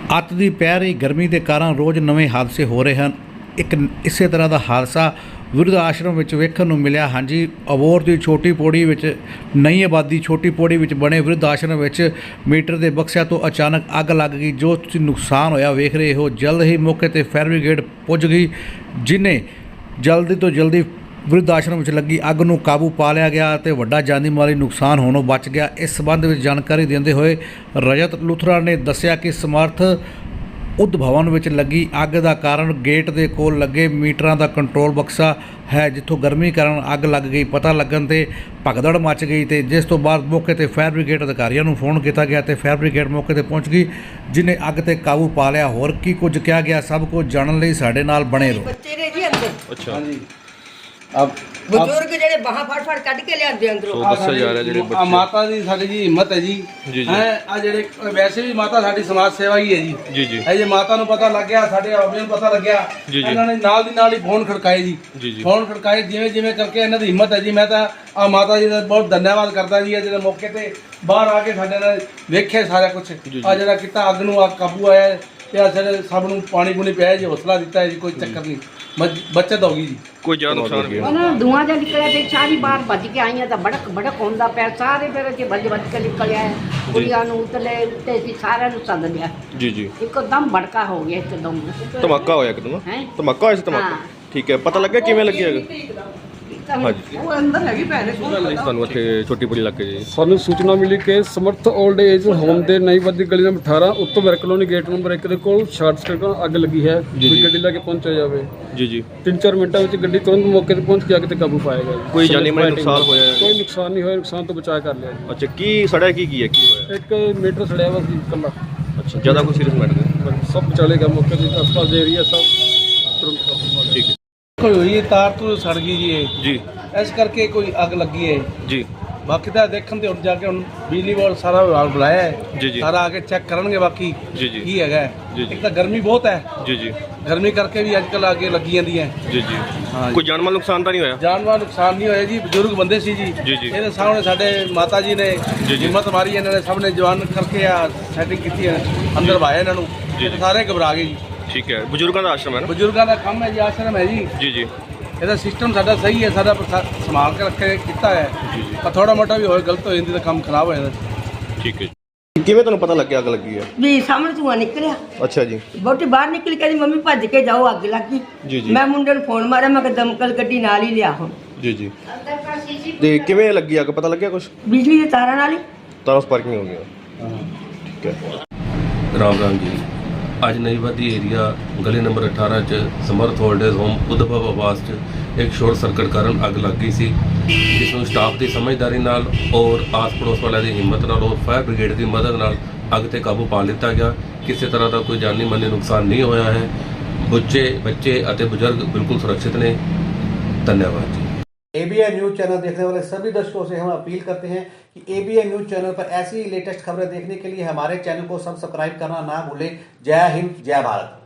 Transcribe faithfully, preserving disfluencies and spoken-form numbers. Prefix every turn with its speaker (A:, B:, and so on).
A: ਅੱਤ ਦੀ ਪੈ ਰਹੀ ਗਰਮੀ ਦੇ ਕਾਰਨ ਰੋਜ਼ ਨਵੇਂ ਹਾਦਸੇ ਹੋ ਰਹੇ ਹਨ। ਇੱਕ ਇਸੇ ਤਰ੍ਹਾਂ ਦਾ ਹਾਦਸਾ ਵਿਰਧ ਆਸ਼ਰਮ ਵਿੱਚ ਵੇਖਣ ਨੂੰ ਮਿਲਿਆ। ਹਾਂਜੀ, ਅਬੋਹਰ ਦੀ ਛੋਟੀ ਪੌੜੀ ਵਿੱਚ ਨਈ ਆਬਾਦੀ ਛੋਟੀ ਪੌੜੀ ਵਿੱਚ ਬਣੇ ਵਿਰਧ ਆਸ਼ਰਮ ਵਿੱਚ ਮੀਟਰ ਦੇ ਬਕਸਿਆਂ ਤੋਂ ਅਚਾਨਕ ਅੱਗ ਲੱਗ ਗਈ। ਜੋ ਤੁਸੀਂ ਨੁਕਸਾਨ ਹੋਇਆ ਵੇਖ ਰਹੇ ਹੋ। ਜਲਦ ਹੀ ਮੌਕੇ ਤੇ ਫਾਇਰ ਬ੍ਰਿਗੇਡ ਪੁੱਜ ਗਈ, ਜਿਨੇ ਜਲਦੀ ਤੋਂ ਜਲਦੀ ਵਿਰਧ ਆਸ਼ਰਮ ਵਿੱਚ ਲੱਗੀ ਅੱਗ ਨੂੰ ਕਾਬੂ ਪਾ ਲਿਆ ਗਿਆ ਅਤੇ ਵੱਡਾ ਜਾਨੀ ਮਾਲੀ ਨੁਕਸਾਨ ਹੋਣੋਂ ਬਚ ਗਿਆ। ਇਸ ਸੰਬੰਧ ਵਿੱਚ ਜਾਣਕਾਰੀ ਦਿੰਦੇ ਹੋਏ ਰਜਤ ਲੂਥਰਾ ਨੇ ਦੱਸਿਆ ਕਿ ਸਮਰਥ ਉਦ ਭਵਨ ਵਿੱਚ ਲੱਗੀ ਅੱਗ ਦਾ ਕਾਰਨ ਗੇਟ ਦੇ ਕੋਲ ਲੱਗੇ ਮੀਟਰਾਂ ਦਾ ਕੰਟਰੋਲ ਬਕਸਾ ਹੈ, ਜਿੱਥੋਂ ਗਰਮੀ ਕਾਰਨ ਅੱਗ ਲੱਗ ਗਈ। ਪਤਾ ਲੱਗਣ ਤੇ ਭਗਦੜ ਮਚ ਗਈ ਤੇ ਜਿਸ ਤੋਂ ਬਾਅਦ ਮੌਕੇ ਤੇ ਫਾਇਰ ਬ੍ਰਿਗੇਡ ਅਧਿਕਾਰੀਆਂ ਨੂੰ ਫੋਨ ਕੀਤਾ ਗਿਆ ਤੇ ਫਾਇਰ ਬ੍ਰਿਗੇਡ ਮੌਕੇ ਤੇ ਪਹੁੰਚ ਗਈ, ਜਿਨੇ ਅੱਗ ਤੇ ਕਾਬੂ ਪਾ ਲਿਆ। ਹੋਰ ਕੀ ਕੁਝ ਕਿਹਾ ਗਿਆ, ਸਭ ਕੁਝ ਜਾਣਨ ਲਈ ਸਾਡੇ ਨਾਲ ਬਣੇ ਰਹੋ।
B: ਬੱਚੇ ਨੇ ਜੀ ਅੰਦਰ
C: ਅੱਛਾ
D: ਹਾਂਜੀ अब
B: ਬਜ਼ੁਰਗ ਜਿਹੜੇ ਬਾਹਾਂ ਫੜ ਫੜ ਕੱਢ ਕੇ ਲਿਆਂਦੇ ਅੰਦਰੋਂ।
C: ਸੋ ਦੱਸਿਆ ਜਾ ਰਿਹਾ ਜਿਹੜੇ
D: आ
C: ਬੱਚੇ
D: माता जी साडी जी हिम्मत है जी
C: जी, जी।
D: हैं आ जेड़े वैसे भी माता साडी समाज सेवा ही है जी
C: जी जी
D: है जी। माता ਨੂੰ ਪਤਾ ਲੱਗ ਗਿਆ, ਸਾਡੇ ਆਬੇ ਨੂੰ ਪਤਾ ਲੱਗਿਆ,
C: जी, जी।
D: ਇਹਨਾਂ ਨੇ ਨਾਲ ਦੀ ਨਾਲ ਹੀ ਫੋਨ ਖੜਕਾਏ ਜੀ
C: जी जी
D: ਫੋਨ ਖੜਕਾਏ ਜਿਵੇਂ ਜਿਵੇਂ ਕਰਕੇ ਇਹਨਾਂ ਦੀ ਹਿੰਮਤ ਹੈ ਜੀ। ਮੈਂ ਤਾਂ ਆ ਮਾਤਾ ਜੀ ਦਾ ਬਹੁਤ ਧੰਨਵਾਦ ਕਰਦਾ ਜੀ, ਜਿਹੜੇ ਮੌਕੇ ਤੇ ਬਾਹਰ ਆ ਕੇ ਸਾਡੇ ਨਾਲ ਵੇਖਿਆ ਸਾਰਾ ਕੁਝ।
C: ਜੀ।
D: ਆ ਜਿਹੜਾ ਕੀਤਾ ਅੱਗ ਨੂੰ ਆ ਕਾਬੂ ਆਇਆ ਤੇ ਆ ਸਾਡੇ ਸਭ ਨੂੰ ਪਾਣੀ ਪੂਣੀ ਪਿਆ ਜੀ, ਹੌਸਲਾ ਦਿੱਤਾ ਹੈ ਜੀ, ਕੋਈ ਚੱਕਰ ਨਹੀਂ, ਬ- ਬੱਚਤ ਹੋ ਗਈ ਜੀ।
C: ਕੋਈ ਜ਼ਿਆਦਾ ਨੁਕਸਾਨ ਵੀ
E: ਉਹਨਾਂ ਨੂੰ ਧੂਆਂ ਜਿਹਾ ਨਿਕਲਿਆ ਤੇ ਸਾਰੀ ਬਾਹਰ ਭੱਜ ਕੇ ਆਈਆਂ ਤਾਂ ਬੜਕ ਬੜਕ ਹੁੰਦਾ ਪਿਆ, ਸਾਰੇ ਫਿਰ ਅਸੀਂ ਭੱਜ ਭੱਜ ਕੇ ਨਿਕਲਿਆ। ਕੁੜੀਆਂ ਨੂੰ ਉਤਲੇ ਉੱਤੇ ਸੀ, ਸਾਰਿਆਂ ਨੂੰ ਸੱਦ ਲਿਆ।
C: ਜੀ ਜੀ
E: ਇੱਕਦਮ ਭੜਕਾ ਹੋ ਗਿਆ, ਇੱਕਦਮ
C: ਧਮਾਕਾ ਹੋਇਆ ਕਿਦੋਂ
E: ਹੈਂ?
C: ਧਮਾਕਾ ਹੋਇਆ ਸੀ ਧਮਾਕਾ
E: ਹਾਂ।
C: ਠੀਕ ਹੈ, ਪਤਾ ਲੱਗਿਆ ਕਿਵੇਂ ਲੱਗਿਆ ਹੈਗਾ? ਹਾਂਜੀ
B: ਉਹ ਅੰਦਰ ਹੈਗੀ ਭੈਣੇ
C: ਤੁਹਾਨੂੰ ਇੱਥੇ ਛੋਟੀ ਬੜੀ ਲੱਗੇ ਜੀ
F: ਸਾਨੂੰ ਸੂਚਨਾ ਮਿਲੀ ਕਿ ਸਮਰਥ 올ਡ ਏਜ ਹੋਮ ਦੇ ਨਈਵਾਦੀ ਗਲੀ ਨੰਬਰ ਅਠਾਰਾਂ ਉੱਤੋਂ ਵਰ ਕਲੋਨੀ ਗੇਟ ਨੰਬਰ ਇੱਕ ਦੇ ਕੋਲ ਸ਼ਾਰਟ ਸਰਕਟ ਨਾਲ ਅੱਗ ਲੱਗੀ ਹੈ।
C: ਜੀ,
F: ਕੋਈ
C: ਜੀ।
F: ਗੱਡੀ ਲੈ ਕੇ ਪਹੁੰਚਿਆ ਜਾਵੇ।
C: ਜੀ ਜੀ
F: ਤਿੰਨ ਚਾਰ ਮਿੰਟਾਂ ਵਿੱਚ ਗੱਡੀ ਤੁਰੰਤ ਮੌਕੇ ਤੇ ਪਹੁੰਚ ਕੇ ਅੱਗ ਤੇ ਕਾਬੂ ਪਾਇਆ ਗਿਆ।
C: ਕੋਈ ਜਾਨੀ ਮਾਲੀ ਨੁਕਸਾਨ ਹੋਇਆ ਹੈ?
F: ਕੋਈ ਨੁਕਸਾਨ ਨਹੀਂ ਹੋਇਆ, ਨੁਕਸਾਨ ਤੋਂ ਬਚਾਅ ਕਰ ਲਿਆ ਜੀ।
C: ਅੱਛਾ, ਕੀ ਸੜਿਆ ਕੀ ਕੀ ਹੈ ਕੀ ਹੋਇਆ?
F: ਇੱਕ ਮੀਟਰ ਸੜਿਆ ਵਾ ਸੀ ਇਕੱਲਾ,
C: ਅੱਛਾ, ਜ਼ਿਆਦਾ ਕੋਈ ਸੀਰੀਅਸ ਮੈਟਰ
F: ਸਭ ਬਚਾ ਲਿਆ ਮੌਕੇ ਤੇ। ਆਸ-ਪਾਸ ਦੇ ਏਰੀਆ ਸਭ ਤੁਰੰਤ ਕਾਬੂ ਪਾ ਲਿਆ।
C: ਠੀਕ ਹੈ
D: ਕੋਈ ਹੋਈ ਤਾਰ ਤੋਂ ਸੜ ਗਈ ਜੀ ਇਹ,
C: ਜੀ
D: ਇਸ ਕਰਕੇ ਕੋਈ ਅੱਗ ਲੱਗੀ ਹੈ।
C: ਜੀ
D: ਬਾਕੀ ਤਾਂ ਦੇਖਣ ਤੇ ਹੁਣ ਜਾ ਕੇ ਹੁਣ ਬਿਜਲੀ ਬੋਰਡ ਸਾਰਾ ਵਿਭਾਗ ਬੁਲਾਇਆ ਹੈ,
C: ਜੀ ਜੀ
D: ਸਾਰਾ ਆ ਕੇ ਚੈੱਕ ਕਰਨਗੇ ਬਾਕੀ
C: ਜੀ ਜੀ
D: ਕੀ ਹੈਗਾ ਹੈ।
C: ਜੀ, ਜੀ।
D: ਇੱਕ ਤਾਂ ਗਰਮੀ ਬਹੁਤ ਹੈ,
C: ਜੀ ਜੀ
D: ਗਰਮੀ ਕਰਕੇ ਵੀ ਅੱਜ ਕੱਲ੍ਹ ਅੱਗੇ ਲੱਗੀ ਜਾਂਦੀਆਂ।
C: ਜੀ ਜੀ
D: ਹਾਂ
C: ਕੋਈ ਜਾਨ ਮਾਲ ਨੁਕਸਾਨ ਤਾਂ ਨਹੀਂ ਹੋਇਆ?
D: ਜਾਨਮਾਲ ਨੁਕਸਾਨ ਨਹੀਂ ਹੋਇਆ ਜੀ, ਬਜ਼ੁਰਗ ਬੰਦੇ ਸੀ ਜੀ।
C: ਜੀ, ਜੀ।
D: ਇਹਦੇ ਸਾਹਮਣੇ ਸਾਡੇ ਮਾਤਾ ਜੀ ਨੇ
C: ਜੀ, ਜੀ।
D: ਹਿੰਮਤ ਮਾਰੀ, ਇਹਨਾਂ ਨੇ ਸਭ ਨੇ ਜਵਾਨ ਕਰਕੇ ਆ ਸੈਟਿੰਗ ਕੀਤੀ ਹੈ, ਅੰਦਰ ਭਾਇਆ ਇਹਨਾਂ ਨੂੰ।
C: ਜੀ,
D: ਇਹ
C: ਜੀ।
D: ਸਾਰੇ ਘਬਰਾ ਗਏ ਜੀ।
C: ਠੀਕ ਹੈ, ਬਜ਼ੁਰਗਾਂ ਦਾ ਆਸ਼ਰਮ ਹੈ ਨਾ?
D: ਬਜ਼ੁਰਗਾਂ ਦਾ ਕੰਮ ਹੈ ਜੀ, ਆਸ਼ਰਮ ਹੈ ਜੀ।
C: ਜੀ ਜੀ
D: ਇਹਦਾ ਸਿਸਟਮ ਸਾਡਾ ਸਹੀ ਹੈ, ਸਾਡਾ ਪ੍ਰਸ਼ਾ- ਸੰਭਾਲ ਕੇ ਰੱਖੇ ਕੀਤਾ ਹੈ।
C: ਜੀ, ਜੀ।
D: ਪਰ ਥੋੜਾ ਮੋਟਾ ਵੀ ਹੋਏ ਗਲਤ ਹੋ ਜਾਂਦੀ ਤਾਂ ਕੰਮ ਖਰਾਬ ਹੋ ਜਾਂਦਾ।
C: ਠੀਕ ਹੈ ਜੀ। ਕਿਵੇਂ ਤੁਹਾਨੂੰ ਪਤਾ ਲੱਗਿਆ ਅੱਗ ਲੱਗੀ ਹੈ?
B: ਵੀ ਸਾਹਮਣੇ ਧੂਆਂ ਨਿਕਲਿਆ,
C: ਅੱਛਾ ਜੀ
B: ਬੋਟੀ ਬਾਹਰ ਨਿਕਲ ਕੇ ਮੰਮੀ ਭੱਜ ਕੇ ਜਾਓ ਅੱਗ ਲੱਗੀ।
C: ਜੀ, ਜੀ।
B: ਮੈਂ ਮੁੰਡੇ ਨੂੰ ਫੋਨ ਮਾਰਿਆ, ਮੈਂ ਕਿ ਦਮਕਲ ਗੱਡੀ ਨਾਲ ਹੀ ਲਿਆ। ਹੁਣ
C: ਜੀ ਜੀ ਤੇ ਕਿਵੇਂ ਲੱਗੀ ਅੱਗ, ਪਤਾ ਲੱਗਿਆ ਕੁਝ?
B: ਬਿਜਲੀ ਦੇ ਤਾਰਾਂ ਨਾਲ ਹੀ
C: ਤਾਰਾਂ ਸਪਾਰਕਿੰਗ ਹੋ ਗਿਆ। ਠੀਕ ਹੈ।
G: राम राम जी। ਅੱਜ ਨਈਵਾਦੀ ਏਰੀਆ ਗਲੀ ਨੰਬਰ ਅਠਾਰਾਂ ਚ ਸਮਰਥ ਹੋਲਡਰਸ ਹੋਮ ਉਦਭਵ ਆਵਾਸ ਚ ਇੱਕ ਸ਼ਾਰਟ ਸਰਕਟ ਕਾਰਨ ਅੱਗ ਲੱਗ ਗਈ ਸੀ, ਜਿਸ ਨੂੰ ਸਟਾਫ ਦੀ ਸਮਝਦਾਰੀ ਨਾਲ ਔਰ ਆਸ ਪੜੋਸ ਵਾਲਿਆਂ ਦੀ ਹਿੰਮਤ ਨਾਲ ਔਰ ਫਾਇਰ ਬ੍ਰਿਗੇਡ ਦੀ ਮਦਦ ਨਾਲ ਅੱਗ ਤੇ ਕਾਬੂ ਪਾ ਲਿੱਤਾ ਗਿਆ। ਕਿਸੇ ਤਰ੍ਹਾਂ ਦਾ ਕੋਈ ਜਾਨੀ ਮਾਲੀ ਨੁਕਸਾਨ ਨਹੀਂ ਹੋਇਆ ਹੈ। ਬੱਚੇ ਬੱਚੇ ਅਤੇ ਬਜ਼ੁਰਗ ਬਿल्कुल सुरक्षित ने। धन्यवाद जी।
A: एबीएन न्यूज चैनल देखने वाले सभी दर्शकों से हम अपील करते हैं कि एबीएन न्यूज चैनल पर ऐसी लेटेस्ट खबरें देखने के लिए हमारे चैनल को सब्सक्राइब करना ना भूलें। जय हिंद, जय भारत।